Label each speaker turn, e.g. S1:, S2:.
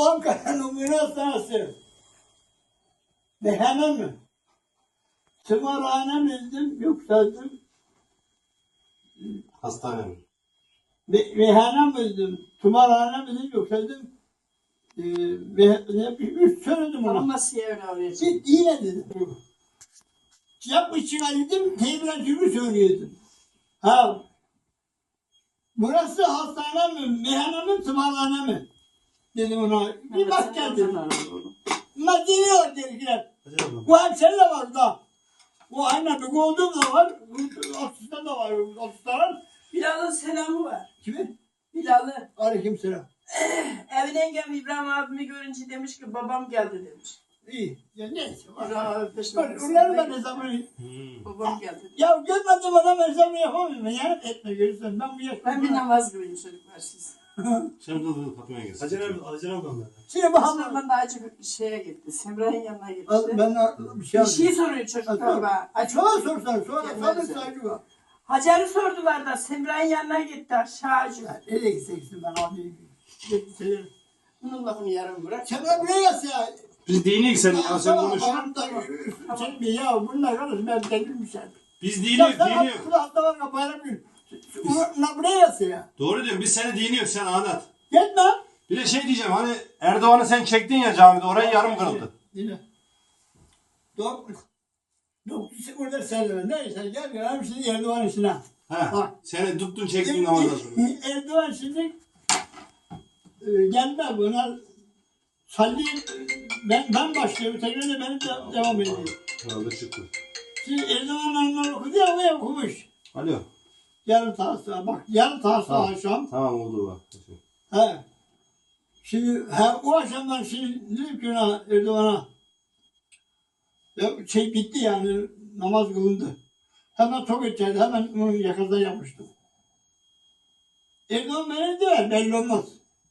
S1: Ankara'nın üniversitesi. Behemen mi? Tımarhane miydim, yükseldim.
S2: Hastane mi?
S1: Meyhane miydim, tımarhane miydim, yükseldim. Üç söyledim ona.
S3: Ama nasıl yerine oraya çıktı?
S1: Git yine dedim. Yapmış çıkardım, teybilen türlü söylüyordum. Ha, burası hastane mi, meyhane mi, tımarhane mi? Dedim ona, bir bak gel dedim. Bunlar geliyor dediler. Bu hemşeri de var da. Bu aynen bir olduğum da var, asistan da var, asistan.
S3: Bilal'ın selamı var.
S1: Kimin?
S3: Bilal'ı.
S1: Aleykümselam.
S3: Evine engem İbrahim abimi görünce demiş ki babam geldi demiş.
S1: İyi. Ya neyse.
S3: İbrahim abi peşinden.
S1: Onları ben hesabını...
S3: Babam geldi.
S1: Ya görmedim adam hesabını yapamıyorum. Yani etme görürsen. Ben bu yaşta...
S3: Ben bir namaz kılayım çocuklar siz.
S2: Şimdi dur kapıya gelsin.
S4: Hacer abi onlar.
S1: Şimdi
S3: Aslında
S1: bakalım.
S3: ben daha çok şeye gitti. Semra'nın yanına gitti.
S1: Ben bir şey
S3: Bir şey soruyor çocuklar bana.
S1: Sonra sorsan. Sonra
S3: Gelmez
S1: sabır
S3: yani.
S1: saygı var.
S3: Hacer'i sordular da Semra'nın yanına gitti aşağıcı.
S1: Nereye gitseksin ben abi. Severim.
S3: Bunun lafını yarım bırak.
S1: Sen de buraya yaz ya.
S2: Biz dinleyik sen ya sen konuş.
S1: Sen bir ya bunlar kardeş ben delirmişim.
S2: Biz
S1: Ya
S2: dinliyoruz
S1: sen
S2: dinliyoruz.
S1: akıllı hasta var kapayla bir. Bunlar buraya yaz ya.
S2: Doğru diyorum biz seni dinliyoruz sen anlat.
S1: Gitme.
S2: Bir de şey diyeceğim hani Erdoğan'ı sen çektin ya camide orayı yarım kırıldı.
S1: Yine. Doğru. Doktorsu orada sen neyse gel gelelim şimdi Erdoğan işine.
S2: He.
S1: Bak.
S2: Seni tuttun çektin namazdan sonra.
S1: Erdoğan şimdi gelme buna salli ben başlıyorum tekrar da benim de devam ediyor.
S2: Herhalde çıktı.
S1: Şimdi Erdoğan anlar okudu ya o okumuş.
S2: Alo.
S1: Yarın tahsil bak yarın tahsil
S2: Tamam.
S1: akşam.
S2: Tamam oldu bak.
S1: He. Şimdi o akşamdan şimdi dedim ki ona Erdoğan'a ya bitti yani namaz kılındı. Hemen tok edeceğiz. Hemen onun yakasından yapmıştım. Erdoğan beni der belli olmaz.